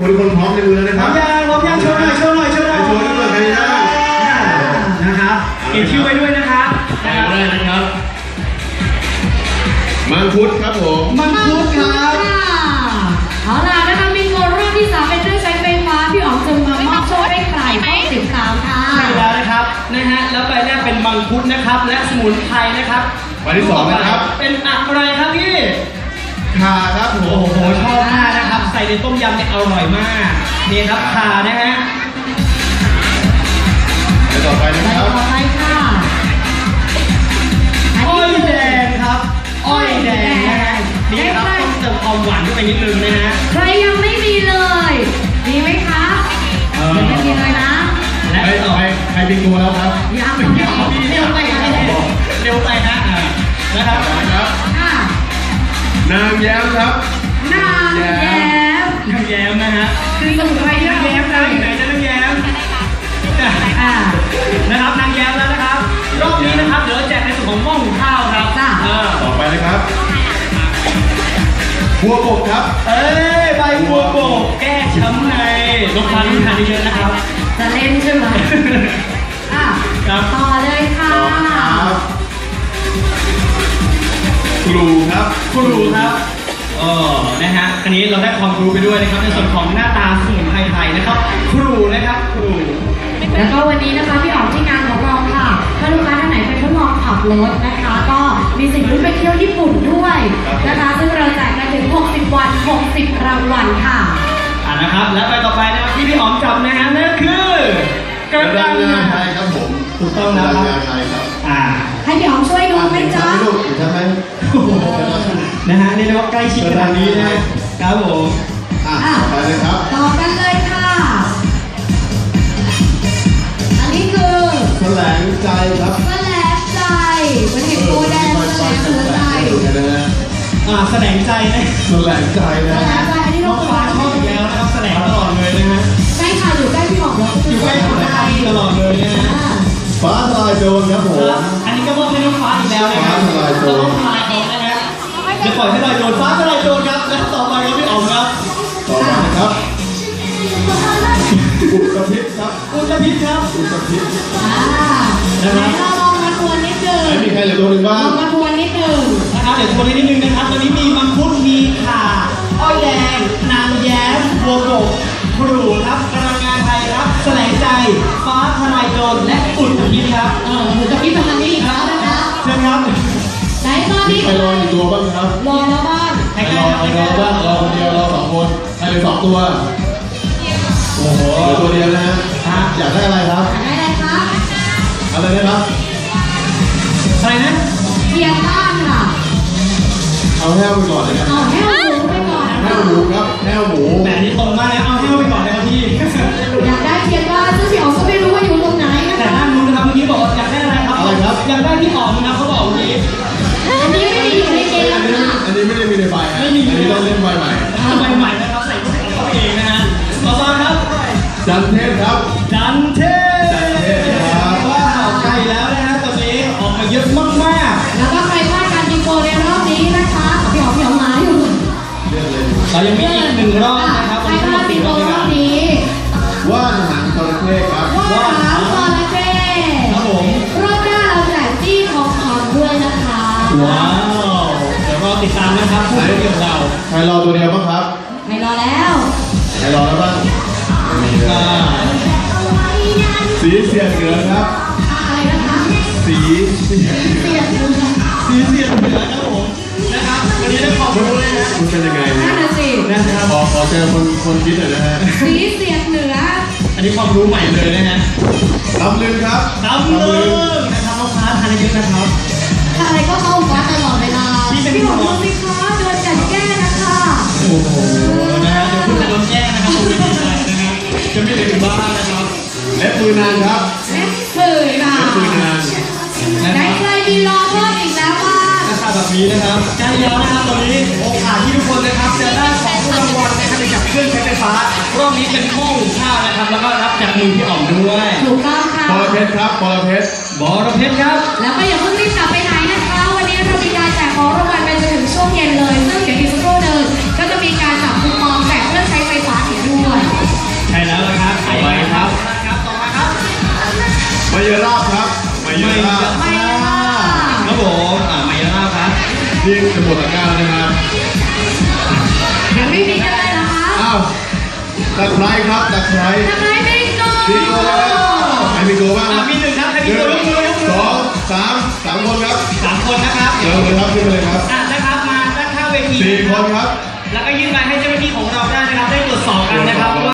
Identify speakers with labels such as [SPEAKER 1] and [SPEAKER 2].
[SPEAKER 1] ทุกคนพร้อมในมือแล้วนะครับ
[SPEAKER 2] พร้อมยังโชว์หน่อยโชว์ด้วยใครได้นะครับเก็บชื่อไว้ด้วยนะครับ
[SPEAKER 1] ได้นะครับมังคุดครับผม
[SPEAKER 2] มังคุดครับ
[SPEAKER 3] เอาล่ะนะคะบิงโกรอบที่3เป็นเครื่องใช้ไฟฟ้าพี่อ๋องจะมามอบโชคให้ใครข้อ13ค่ะ
[SPEAKER 2] ใช่แล้วนะครับแล้วใบแรกเป็นมังคุดนะครับและสมุนไพรนะครับ
[SPEAKER 1] ใบที่2นะครับ
[SPEAKER 2] เป็นอะไรครับพี่
[SPEAKER 1] ข่าครับผม
[SPEAKER 2] โอ้โหชอบมากนะครับใส่ในต้มยำเนี่ยอร่อยมากนี่ครับข่านะฮะ
[SPEAKER 1] ต่อไปนะครับ
[SPEAKER 3] ต่อไปค่ะ
[SPEAKER 2] อ้อยแดงครับอ้อยแดงนะฮะนี่ครับต้องเติมความหวานเข้าไปนิดนึงนะฮะ
[SPEAKER 3] ใครยังไม่มีเลยมีไหมคะยังไม่มีเลยนะ
[SPEAKER 2] และต่อไป
[SPEAKER 1] ใครเป็นตัวแล้วครับ
[SPEAKER 3] ยัง
[SPEAKER 2] เร็วไปนะนะครับ
[SPEAKER 1] นางแย้มครับ
[SPEAKER 3] นางแ
[SPEAKER 2] ย้มนะฮะ
[SPEAKER 3] คือสมุนไพรที่
[SPEAKER 2] นางแย้มนะอยู่ไหนจะนางแย้มนะครับนางแย้มแล้วนะครับรอบนี้นะครับเดี๋ยวแจกในส่วนของหม้อหุงข้าวครับ
[SPEAKER 1] ต่อไปนะครับบัวบกครับ
[SPEAKER 2] ใบบัวบกแก้ช้ำในลดความทานเยอะนะครับ
[SPEAKER 3] จะเล่นใช่ไหมต่อเลยค่ะ
[SPEAKER 1] ครูครับ
[SPEAKER 2] นะฮะอันนี้เราได้ความรู้ไปด้วยนะครับในส่วนของหน้าตาสมุนไพรไทยนะครับครูนะครับครู
[SPEAKER 3] แล้วก็วันนี้นะคะพี่อ๋อมที่งานของเราค่ะถ้าลูกค้าท่านไหนเป็นทดลองขับรถนะคะก็มีสิทธิ์ลุ้นไปเที่ยวญี่ปุ่นด้วยนะคะซึ่งเราแจกกันถึง60 วัน60 รางวัลค่ะ
[SPEAKER 2] นะครับและไปต่อไปนะครับที่พี่อ๋อมจับนะฮะนั่นคือกระดังงา
[SPEAKER 1] ไทยครับผม
[SPEAKER 2] ถูกต้องนะครับ
[SPEAKER 1] ไทยครับ
[SPEAKER 3] ให้พี่อ๋อมช่วยดูไหมจ๊ะ
[SPEAKER 1] ใช่ไหม
[SPEAKER 2] นะฮะนี่เรียกว่าใกล้ชิดขนาดนี้นะครับผม
[SPEAKER 1] ไปเลยครับ
[SPEAKER 3] ต่อกันเลยค่ะอันนี้คือ
[SPEAKER 1] แสลงใจครับ
[SPEAKER 3] แสลงใจมันเห็นโบแดงแสลงหัวใจ
[SPEAKER 2] แสลงใจนะ
[SPEAKER 1] แสลงใจนะ
[SPEAKER 3] อันนี้
[SPEAKER 2] น้องฟ้าชอบอีกแล้วนะครับแสลงตลอดเลยนะฮะ
[SPEAKER 3] ใช่ค่ะอยู่ใกล้พี่หมอก
[SPEAKER 2] อยู่ใกล้หัวใจตลอดเลยนะฮะ
[SPEAKER 1] ฟ้าทลายโจรครับผม
[SPEAKER 2] อันนี้ก็มอบให้น้องฟ้าอีกแล้วนะครับ
[SPEAKER 1] ฟ้าทลายโจร
[SPEAKER 2] ต้องทลายเขานะฮะจะปล่อยให้ลอยโจรฟ้าทลายโจรครับและต่อไปก็พี่อ๋อมครับ
[SPEAKER 1] ต่อไปครับอุตพิษครับ
[SPEAKER 2] อุตพิษครับ
[SPEAKER 3] ไหนเราลองมาทวนนิดนึง
[SPEAKER 1] มีใครเหลือตัวหนึ่งบ้าง
[SPEAKER 3] ลองมาทวนนิดนึง
[SPEAKER 2] นะครับเดี๋ยวทวนนิดนึงนะครับตอนนี้มีมังคุดมีข่าอ้อยแดงนางแย้มบัวบกครูครับกระงานไทยครับแสลงใจฟ้าทลายโจรและอุตพิษครับ
[SPEAKER 3] อุตพิษทางนี้อีกแล้วนะคะ
[SPEAKER 2] เชิญครับ
[SPEAKER 3] ไหนตอนนี้
[SPEAKER 1] ใครรออีกตัวบ้างครับ
[SPEAKER 3] รอแล้วบ้าง
[SPEAKER 1] ใครรอบ้างรอคนเดียวรอ2 คนใครเหลือ2 ตัวโอ้โหเหลือตัวเดียวนะฮะอยากได้อะไรครับ
[SPEAKER 3] อยากได้อะไรครับ
[SPEAKER 1] อะไรนะครับ
[SPEAKER 2] อะไรนะ
[SPEAKER 3] เทียนบ้านค่ะ
[SPEAKER 1] เอาแห้วไปก่อนเลยครับ
[SPEAKER 3] เอาแห้วหมูไปก่อน
[SPEAKER 1] แห้วหมูครับแห้วหมู
[SPEAKER 2] แต่นี่ตรงมากนะเอาแห้วไปก่อนเลยครับพี่
[SPEAKER 3] อยากได้เทียนบ้านซึ่งพี่อ๋อมก็ไม่รู้ว่าอยู่ตรงไหนนะ
[SPEAKER 2] แต่ด้านนู้นนะครับเมื่อกี้บอกอยากได้อะไรครับ
[SPEAKER 1] อะไรครับ
[SPEAKER 2] อยากได้ที่อ๋อมนะเขาบอกเมื่อกี้
[SPEAKER 3] อันนี้ไม่ได้อยู่ในเกมค่ะ
[SPEAKER 1] อันนี้ไม่ได้มีในใบอันนี้ต้องเล่นใบใหม่
[SPEAKER 2] ใบใหม่นะครับใส่เข้าเองนะฮะต่อมาครับ
[SPEAKER 1] จันเทพครับ
[SPEAKER 2] จันเทพครับว้าวใกล้แล้วนะฮะตอนนี้ออกมาเยอะมาก
[SPEAKER 3] ๆแล้วก็ใครพลาดการบิงโกในรอบนี้นะคะพี่อ๋อมหมาอยู่
[SPEAKER 2] เรายังมีอีก1 รอบนะครับ
[SPEAKER 3] ใครพลาดบิงโกรอบนี้
[SPEAKER 1] ว่านหางจระเข้ครับ
[SPEAKER 3] ว่านหางจระเข้
[SPEAKER 2] ครับผม
[SPEAKER 3] รอบหน้าเราแจกจี้ทองคำด้วยนะคะ
[SPEAKER 2] ว้าวเดี๋ยวรอติดตามนะครับผู้เกี่ยวเรา
[SPEAKER 1] ใครรอตัวเดียวบ้างครับ
[SPEAKER 3] ไม่รอแล้ว
[SPEAKER 1] ใครรอแล้วบ้างสีเสียดเหนือครับ
[SPEAKER 3] อะไรนะคะ
[SPEAKER 1] สีเสียดเหนือ
[SPEAKER 2] ครับผมนะครับวันนี้ได้ขอบคุณเลยนะ
[SPEAKER 1] คุณเป็นยังไง
[SPEAKER 3] นั่นน่ะสิ
[SPEAKER 1] นะครับขอเจอคนคิดหน่อยนะฮะ
[SPEAKER 3] สีเสียดเหนือ
[SPEAKER 2] อันนี้ความรู้ใหม่เลยนะฮะ
[SPEAKER 1] ตำลึงครับ
[SPEAKER 2] ตำลึงนะครับลูกค้าทานเยอะนะครับ
[SPEAKER 3] อะไรก็เข้าฟ้าตลอดเวลาพี่บอกดูสิคะโดนจัดแก้นะคะ
[SPEAKER 2] โอ้โหนะฮะเดี๋ยวคุณจะโดนแก้นะครับคุณไม่ดีใจนะฮะจะไม่ได้ถึงบ้านนะครับ
[SPEAKER 1] เล็บมือนางครับ
[SPEAKER 3] เล็บมือนางไหนใครมีรอเพิ่มอีกแล้วบ้าง
[SPEAKER 2] นะครับแบบนี้นะครับใกล้แล้วนะครับตอนนี้โอกาสที่ทุกคนนะครับจะได้ของรางวัลนะครับไปกับเครื่องใช้ไฟฟ้ารอบนี้เป็นหม้อหุงข้าวนะครับแล้วก็รับจากมือพี่อ๋อมด้วย
[SPEAKER 3] ถูกต้องค่ะ
[SPEAKER 1] บอระเพ็ดครับบอระเพ็ด
[SPEAKER 2] ครับ
[SPEAKER 3] แล้วก็อย่าเพิ่งรีบกลับไปไหนนะคะวันนี้เรามีการแจกของรางวัลไปจนถึงช่วงเย็นเลยซึ่งเดี๋ยวอีกสักครู่นึงก็จะมีการจับคูปองแจกเครื่องใช้ไฟฟ้าอีกด้วย
[SPEAKER 1] ที่จะหมดตะกร้าแล้วนะครับ
[SPEAKER 3] ยังไม่มีกันเลยเหรอคะ
[SPEAKER 1] อ้าวตะไคร้ครับตะไคร้
[SPEAKER 3] ทำไมไม่โก
[SPEAKER 1] บิงโกครับใครบิงโกบ้างครับ
[SPEAKER 2] มีหนึ่งครับใครมีตัวยกมือยกมือ
[SPEAKER 1] สองสามคนครับ
[SPEAKER 2] 3 คนนะครับ
[SPEAKER 1] เดี๋ยวเลยครับขึ้นมาเลยครับ
[SPEAKER 2] นะครับมาด้านข้างเวที
[SPEAKER 1] 4 คนครับ
[SPEAKER 2] แล้วก็ยื่นไปให้เจ้าหน้าที่ของเราได้นะครับได้ตรวจสอบกันนะครับ